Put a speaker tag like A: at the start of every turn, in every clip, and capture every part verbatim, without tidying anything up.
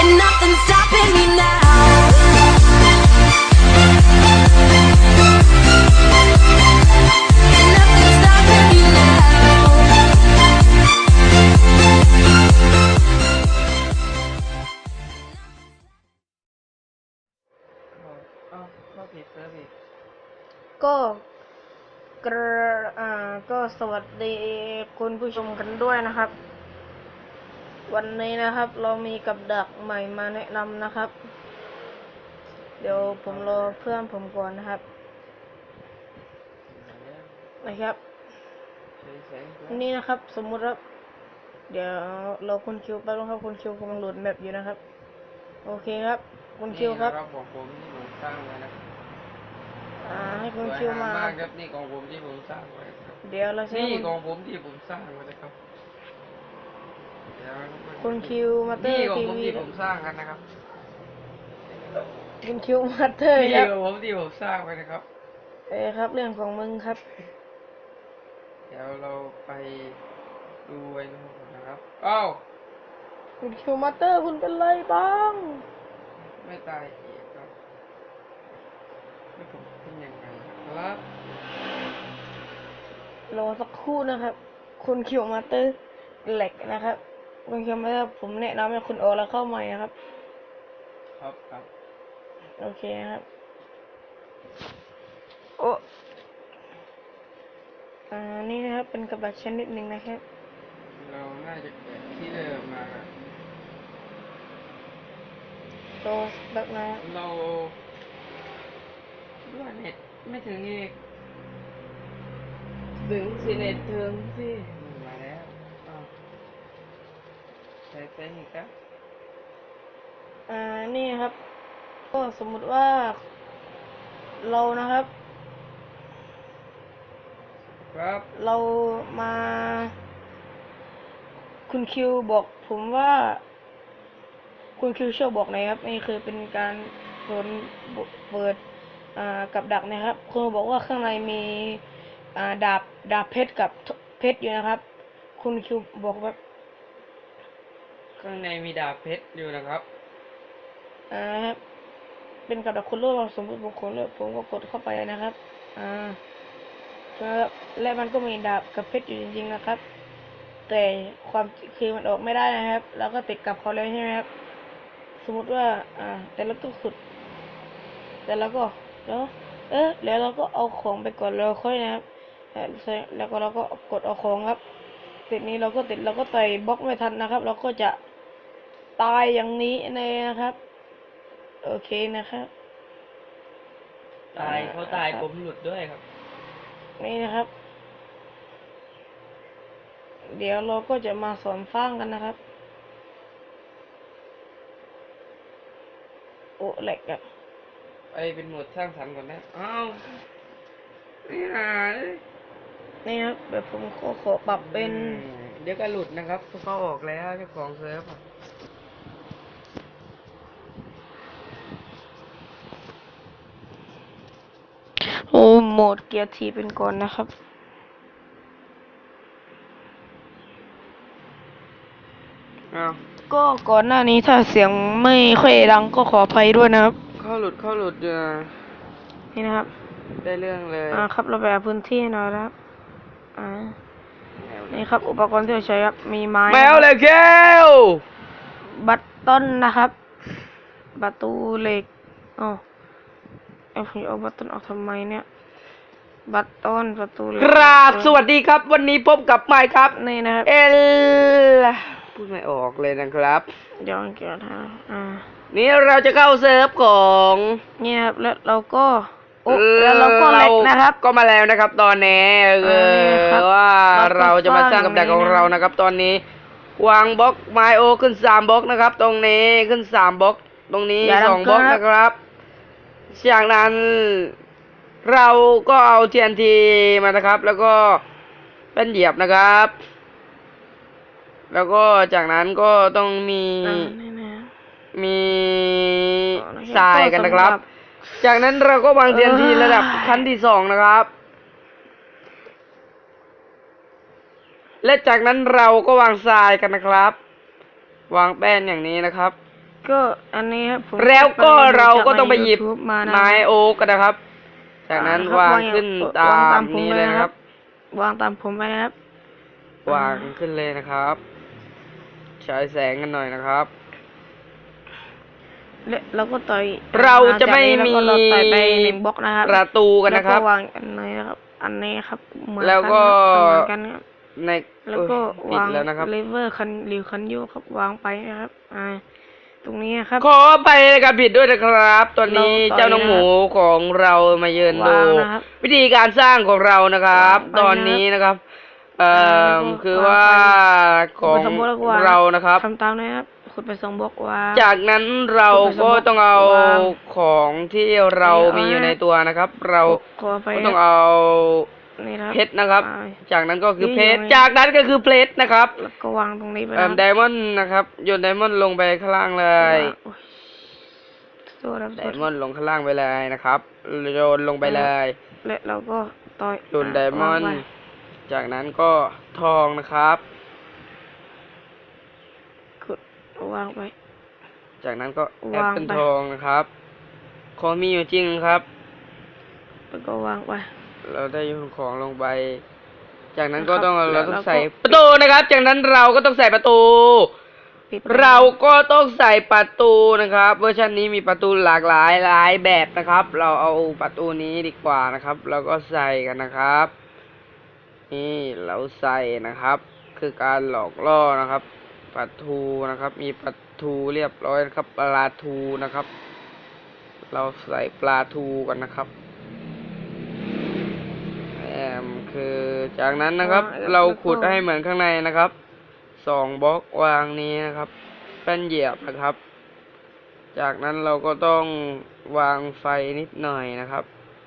A: nothing's stopping me now. Nothing's stopping me now.
B: อ้าวเข้าผิดเซิร์ฟอีก
C: ก็กระอ่าก็สวัสดีคุณผู้ชมกันด้วยนะครับ วันนี้นะครับ เรามีกับดักใหม่มาแนะนำนะครับ เดี๋ยวผมรอเพื่อนผมก่อนนะครับนะครับ นี่นะครับ สมมุติว่าเดี๋ยวเราคุณคิวแป๊บนึงครับคุณคิวกำลังโหลดแมปอยู่นะครับ โอเคครับคุณคิวครับ
B: นี่ของผมที่ผมสร้างไว้นะ
C: อ่าให้คุณคิวมา
B: สวยงามมากครับนี่ของผมที่ผมสร้างไว้ครับ
C: เดี๋ยวเราใช้
B: นี่
C: คุณ
B: ของผมที่ผมสร้างไว้นะครับเดี๋ยว
C: คุณคิวมาเตอ
B: นี่
C: ร์
B: ของ
C: ที
B: ผม
C: วี
B: ที่ผมสร้างกันนะครับ
C: คุณคิวมาเตอร์
B: นี่
C: ครับ
B: ของผมที่ผมสร้างไว้นะครับ
C: เอ้ครับเรื่องของมึงครับ
B: เดี๋ยวเราไปดูไว้นะครับอ้าว
C: คุณคิวมาเตอร์คุณเป็นไรบ้าง
B: ไม่ตายอีกครับไม่ผมเป็นยังไงครับ
C: รอสักครู่นะครับ คุณคิวมาเตอร์แหลกนะครับคุณคิวมาเตอร์ผมแนะนำให้คุณออกแล้วเข้าใหม่นะครับ
B: ครับครับ
C: โอเคครับโอ้อ่านี่นะครับเป็นกระบะชนิดหนึ่งนะครับ
B: เราน่าจะเกิดที่เดิมมาครับ
C: โตแบบนะ
B: เราด้วยเน็ตไม่ถึงอีกถึงสิเน็ตถึงสิมาแล้วอ้าวใช้เป็นอีกครับ
C: อ่านี่ครับ ก็สมมุติว่าเรานะครับ
B: ครับ
C: เรามา คุณคิวบอกผมว่า คุณคิวช่วยบอกหน่อยครับนี่คือเป็นการเปิดเปิดอ่ากับดักนะครับคุณบอกว่าข้างในมีอ่าดาบดาบเพชรกับเพชรอยู่นะครับ คุณคิวบอกว่า
B: ข้างในมีดาบเพชรอยู่นะครับ
C: อ่าครับเป็นกับดักคุณโลกสมมติบุคคลเลยผมก็กดเข้าไปนะครับอ่าครับและมันก็มีดาบกับเพชรอยู่จริงๆนะครับ แต่ความคือมันออกไม่ได้นะครับ แล้วก็ติดกับเขาเลยใช่ไหมครับ สมมติว่า อ่า แต่เราต้องขุด แต่เราก็แล้วเออแล้วเราก็เอาของไปก่อนแล้วค่อยนะครับแล้วก็เราก็กดเอาของครับติดนี้เราก็ติดเราก็ต่อยบล็อกไม่ทันนะครับ เราก็จะตายอย่างนี้เลยนะครับ โอเคนะครับ
B: ตายเขาตายผมหลุดด้วยครับ
C: นี่นะครับ เดี๋ยวเราก็จะมาสอนสร้างกันนะครับ โอ้แหลกอะ
B: ไปเป็นโหมดสร้างสรรค์ก่อนนะอ้าวนี่หาย
C: นี่ครับแบบผมขอขอปรับเป็น
B: เดี๋ยวก็หลุดนะครับเพราะเขาออกแล้วเจ้าของเซิร์ฟอะ
C: โอ้โหมดเกียร์ทีเป็นก่อนนะครับ
B: อ้าว
C: ก็ก่อนหน้านี้ถ้าเสียงไม่ค่อยดังก็ขออภัยด้วยนะครับ
B: เข้าหลุดเข้าหลุดอยู่นะ
C: นี่นะครับ
B: ได้เรื่องเลย
C: อ่าครับเราไปหาพื้นที่หน่อยนะครับ อ่า นี่ครับอุปกรณ์ที่เราใช้ครับ มีไม้
B: แมวเลยแก้ว
C: บัตต้นนะครับประตูเหล็กอ๋อเอาผมเอาบัตต้นออกทำไมเนี่ย บัตต้นประตูเหล็ก
B: กราบสวัสดีครับ วันนี้พบกับไมค์ครับ
C: นี่นะครับ
B: เอลพูดไม่ออกเลยนะครับ
C: เดี๋ยวเกี่ยวทางอ่า
B: นี่เราจะเข้าเซิร์ฟของ
C: เนี่ยครับแล้วเราก็โอ้แล้วเราก็เล็กนะครับ
B: ก็มาแล้วนะครับ ตอนนี้เอ
C: อ่านี่ครับ
B: อว่า
C: เรา
B: เรา
C: ก็
B: จะมาสร้างกับดักของ
C: สร้าง
B: เรา
C: นี้นะ
B: นะครับ ตอนนี้ วางบล็อกไมโอขึ้นสามบล็อกนะครับ ตรงนี้ขึ้นสามบล็อก ตรงนี้
C: อย่า
B: สอง
C: ทำ
B: บล็อก
C: เกิน
B: นะครับ จากนั้นเราก็เอา ที เอ็น ที มานะครับ แล้วก็เป็นเหยียบนะครับ แล้วก็จากนั้นก็ต้องมี
C: อ่านี่นะ
B: มี
C: อ๋อแล้ว
B: ทรายกันนะครับ
C: ก็สำหรับ
B: จากนั้นเราก็วาง ที เอ็น ที
C: เออ
B: ระดับขั้นที่สองนะครับ และจากนั้นเราก็วางทรายกันนะครับ วางแป้นอย่างนี้นะครับ
C: ก็อันนี้ครับผม
B: แล้วก็เราก็ต้องไปหยิบ
C: จากใน YouTube มานะ
B: ไม้โอ๊กกันนะครับ จากนั้น
C: อ่ครับ
B: วาง
C: อย่
B: ขึ้น
C: วาง
B: ตาม
C: ผม
B: นี้
C: เล
B: เลย
C: ย
B: นะ
C: นะ
B: ค
C: ค
B: รั
C: รับ บ วางตามผมไปนะครับ
B: วางขึ้นเลยนะครับฉายแสงกันหน่อยนะครับ
C: และเราก็ต่อย
B: เราจะไม่
C: หลังจากนี้
B: มี
C: เราก็ต่อยไปหนึ่งบล็อกนะครับ
B: ประตูกันนะครับ
C: แล้วก็วางอันนี้นะครับ อันนี้ครับเหมือน
B: แล้วก็
C: เหมือนกันครับ
B: ใน
C: แล้วก็
B: เอ้ยว
C: าง
B: ปิดแล้วนะครับ
C: เลเวอร์คันหรือคันโยกครับวางไปนะครับ อ่า ตรงนี้ครับ
B: ขอไปการผิดด้วยนะครับ ตอนนี้
C: เราต่อย
B: เจ้าน้องหมูของเรามาเยือนดู
C: วางนะครับ
B: วิธีการสร้างของเรานะครับ
C: วางไป
B: ตอนนี้นะครับ เอ่อ
C: แล้วก็
B: คือ
C: วาง
B: ว่า
C: ไป
B: ของ
C: ขุดไปสองบล็อกแล้วก็วาง
B: เรานะครับ
C: ทำตามนะครับขุดไปสองบล็อกวาง
B: จากนั้นเราก็ต้องเอา
C: วาง
B: ของที่เรามีอยู่ในตัวนะครับ เรา
C: ขอไป
B: ก็ต้องเอา
C: นี่นะครับ
B: เพชรนะครับ
C: อ่า
B: จากนั้นก็คือ
C: นี่
B: เพชร
C: อยู่ใน
B: จากนั้นก็คือเพชรนะครับ
C: แล้วก็วางตรงนี้ไป
B: เอ่
C: นะ
B: อไดมอนด์นะครับโยนไดมอนด์ลงไปข้างล่างเลย
C: โอ้ยโทษครับ
B: ไดมอนด์ลงข้างล่างไปเลยนะครับโยนลงไปเลย
C: และเราก็ต่อย
B: โยนไดมอนด์
C: วางไว้
B: จากนั้นก็ทองนะครับ
C: กดวางไป
B: จากนั้นก็แอป
C: วาง
B: เปิล
C: ไป
B: ทองนะครับของมีอยู่จริงครับ
C: แล้วก็วางไป
B: เราได้โยนของลงไป จากนั้นก็
C: นะครับ
B: ต้อง
C: แล้
B: เรา
C: ว
B: ต้อง
C: เราก็
B: ใส่ประตูนะครับ จากนั้นเราก็ต้องใส่ประตู
C: ปิด
B: เราก็ต้องใส่ประตูนะครับเวอร์ชันนี้มีประตูหลากหลายหลายแบบนะครับ เราเอาประตูนี้ดีกว่านะครับ เราก็ใส่กันนะครับ นี่เราใส่นะครับ คือการหลอกล่อนะครับประตูนะครับ มีประตูเรียบร้อยนะครับปลาทูนะครับ เราใส่ปลาทูกันนะครับแอมคือจากนั้นนะครับ เราขุดให้เหมือนข้างในนะครับสองบล็อกวางนี้นะครับแป้นเหยียบนะครับ จากนั้นเราก็ต้องวางไฟนิดหน่อยนะครับ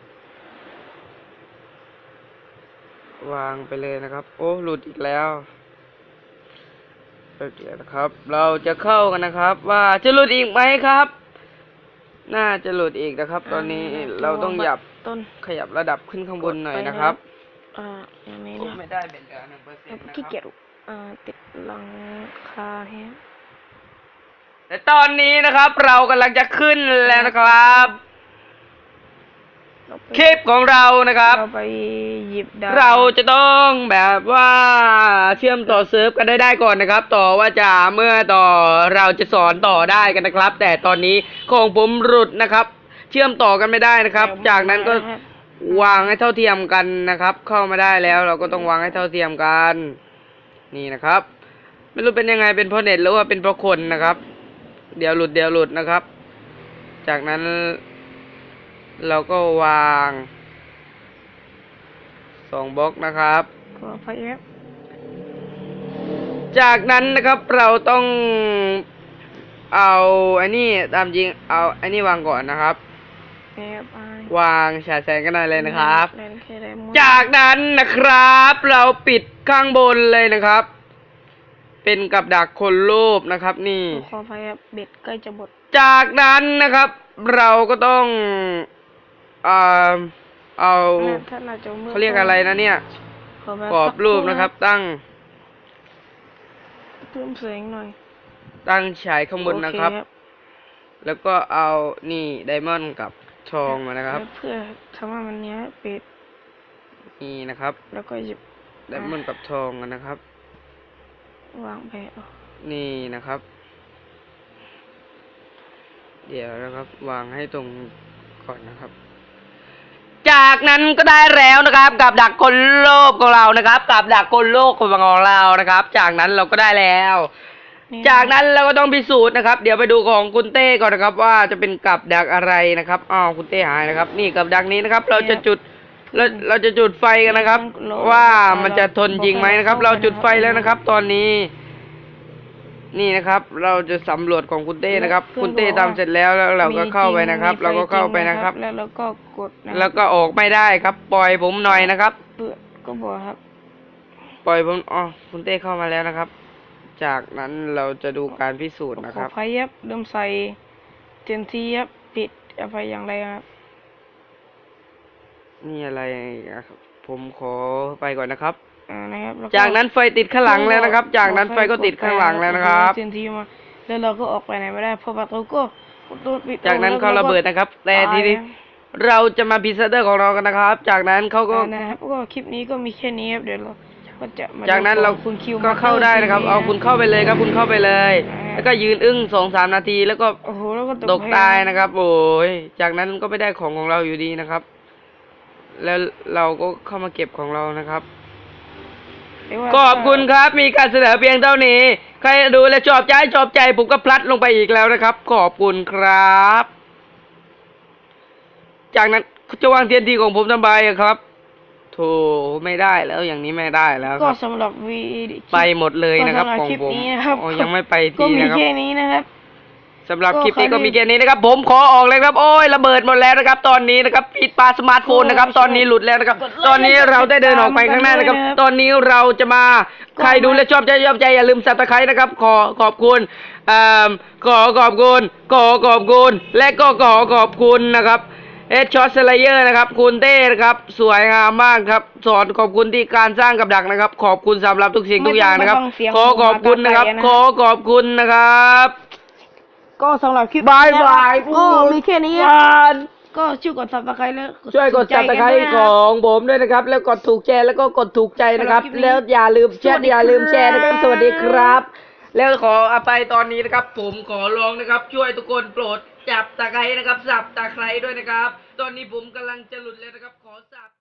B: วางไปเลยนะครับ โอ้หลุดอีกแล้วโอเคนะครับ เราจะเข้ากันนะครับ ว่าจะหลุดอีกไหมครับ น่าจะหลุดอีกนะครับ ตอนนี้เราต้องหยับ
C: ต้น
B: ขยับระดับขึ้นข้างบนหน่อยนะครับ
C: อ่าอย่างนี้
B: โอ้
C: นะ
B: ไม่ได้เป็นเหลือหนึ่งเปอร์เซ็นต์นะค
C: ขี้
B: รับ
C: เกียจอ่าติดหลังคาแฮะ
B: แต่ตอนนี้นะครับ เรากำลังจะขึ้นแล้วนะครับ
C: เราไป
B: คลิปของเรานะครับ
C: เราไปหยิบดาว
B: เราจะต้องแบบว่าเชื่อมต่อเซิร์ฟกันได้ได้ก่อนนะครับ ต่อว่าจะเมื่อต่อเราจะสอนต่อได้กันนะครับ แต่ตอนนี้ของผมหลุดนะครับ เชื่อมต่อกันไม่ได้นะครับ จากนั้นก็วางให้เท่าเทียมกันนะครับ เข้ามาได้แล้ว เราก็ต้องวางให้เท่าเทียมกัน นี่นะครับ ไม่รู้เป็นยังไงเป็นเพราะเน็ตหรือว่าเป็นเพราะคนนะครับ เดี๋ยวหลุดเดี๋ยวหลุดนะครับ จากนั้น เราก็วางสองบล็อกนะครับ
C: ขอไฟแอป
B: จากนั้นนะครับเราต้องเอาไอ้นี่ตามจริงเอาไอ้นี่วางก่อนนะครับ
C: แอปไอ
B: วางฉายแสงกันหน่อยเลยนะครับ
C: แลนด์แคร์ไดมอนด์
B: จากนั้นนะครับ เราปิดข้างบนเลยนะครับ เป็นกับดักคนรูปนะครับ นี่
C: ขอไฟแอปเบ็ดใกล้จะหมด
B: จากนั้นนะครับ เราก็ต้องเอ่อเอา
C: ถ้าเราจะมืด
B: เขาเรียกอะไรนะเนี่ย
C: ขอแบบ
B: กรอบรูปนะครับ ตั้ง
C: เพิ่มเสียงหน่อย
B: ตั้งฉายข้างบนนะครับ
C: โอเ
B: แล้วก็เอานี่ไดมอนด์กับทองมานะครับ
C: แล้วเพื่อทำให้มันเนี้ยปิด
B: นี่นะครับ
C: แล้วก็หยิบ
B: ไดมอนด์กับทองกันนะครับ
C: วางไปเอา
B: นี่นะครับ เดี๋ยวนะครับ วางให้ตรงก่อนนะครับ จากนั้นก็ได้แล้วนะครับ กับดักคนโลกของเรานะครับ กับดักคนโลกของเรานะครับ จากนั้นเราก็ได้แล้ว
C: นี่
B: จากนั้นเราก็ต้องพิสูจน์นะครับ เดี๋ยวไปดูของคุณเต้ก่อนนะครับ ว่าจะเป็นกับดักอะไรนะครับอ้าวคุณเต้หายนะครับ นี่กับดักนี้นะครับ เราจะจุดเราเราจะจุดไฟกันนะครับ ว่ามันจะทนจริงไหมนะครับ เราจุดไฟแล้วนะครับ ตอนนี้ นี่นะครับ เราจะสำรวจของคุณเต้นะครับ คุณเต้ทำเสร็จแล้วแล้วเราก็เข้าไปนะครับ เราก็เข้าไปนะครับ
C: แล้วเราก็กดนะ
B: แล้วก็ออกไม่ได้ครับ ปล่อยผมหน่อยนะครับ
C: เปิดก็บอกครับ
B: ปล่อยผมอ๋อคุณเต้เข้ามาแล้วนะครับ จากนั้นเราจะดูการพิสูจน์นะ
C: ข
B: ค
C: อ
B: รับ
C: ไฟยับเริ่มใส่เจนทียับปิดเอาไฟอย่างไรครับ
B: นี่อะไรนะครับ ผมขอไปก่อนนะครับ
C: อ่านะครับแล้ว
B: จากนั้นไฟติดข้างหลังแล้วนะครับ จากนั้นไฟก็ติดข้างหลังแล้วนะครับ
C: เจนทีมาแล้วเราก็ออกไปไหนไม่ได้เพราะประตูก็ประตูปิด
B: จากนั้นเขาระเบิดนะครับ แต่ทีนี้
C: ตายนะ
B: เราจะมาพิซซ่าเตอร์ของเรากันนะครับ จากนั้นเขาก็
C: อ่านะครับก็คลิปนี้ก็มีแค่นี้ครับเดี๋ยวเราก็จะมา
B: จากนั้น
C: ดู
B: เรา
C: ของคุณคิว
B: ก็เข้าได้นะครับ เอาคุณเข้าไปเลยครับ คุณเข้าไปเลย
C: อ่า
B: แล้วก็ยืนอึ้งสองสามนาทีแล้วก็
C: โอ้โหแล้วก็
B: ตกตายนะครับ โอ้ยจากนั้นก็ไม่ได้ของของเราอยู่ดีนะครับ แล้วเราก็เข้ามาเก็บของเรานะครับ
C: เรียกว่า
B: ขอบคุณครับ มีการเสนอเพียงเท่านี้ ใครดูและชอบใจชอบใจผมก็พลัดลงไปอีกแล้วนะครับ ขอบคุณครับ จากนั้นจะวางเทียนทีของผมทำไมอะครับโธ่ไม่ได้แล้วอย่างนี้ไม่ได้แล้วค
C: ก็
B: รับ
C: สำหรับวี
B: ไปหมดเลยนะครับ
C: ก็สำห
B: ของ
C: คลิป
B: ผม
C: นี้นะครับ
B: อ๋อยังไม่ไป
C: ก็
B: ที
C: มี
B: นะครับ
C: แค่นี้นะครับ
B: สำหรับ
C: ก็
B: คลิปนี้
C: ใคร
B: ก็มี
C: ที่
B: แค่นี้นะครับ ผมขอออกเลยครับ โอ้ยระเบิดหมดแล้วนะครับ ตอนนี้นะครับปิดปาสมาร์ทโฟนนะครับ
C: ก็
B: ตอนนี้หลุดแล้วนะครับ
C: กดไลค์
B: ตอนนี้เราได้เดินออกไปข้างหน้านะครับ
C: กดไลค์
B: ตอนนี้เราจะมา
C: ก็
B: ใครดูและชอบใจชอบใจอย่าลืมสับตะไคร้นะครับ ขอขอบคุณเอ่อขอขอบคุณขอขอบคุณ และก็ขอขอบคุณนะครับเอชช็อตสไลเยอร์นะครับคุณเต้นะครับสวยงามมากครับสอนขอบคุณที่การสร้างกับดักนะครับ ขอบคุณสำหรับทุกสิ่งทุกอย่างนะครับ
C: ไม่ต้องฟังเสียง
B: ขอขอบคุณนะครับ
C: ผมมาตาไกลนะ
B: ขอขอบคุณนะครับ
C: ก็สำหรับคลิป
B: บายบาย
C: ก็มีแค่นี้
B: บาย
C: ก็ช่วยกดซับสไครต์แล้ว
B: ช่วยกด
C: ถู
B: ซับ
C: ใจ
B: สไคร
C: นด้วย
B: ต์
C: นะ
B: ข
C: รับ
B: องผมด้วยนะครับ แล้วกดถูกแชร์แล้วก็กดถูกใจนะครับ
C: สำหรับคลิปนี้
B: แล้วอย่าลืมแช
C: สวั
B: ร์
C: สดี
B: อย่าลืมแชร์นะครับ
C: ครับ
B: สวัสดีครับ แล้วขออภัยตอนนี้นะครับ ผมขอร้องนะครับ ช่วยทุกคนโปรดจับตะไคร้นะครับสับตะไคร้ด้วยนะครับ ตอนนี้ผมกำลังจะหลุดแล้วนะครับ ขอสับ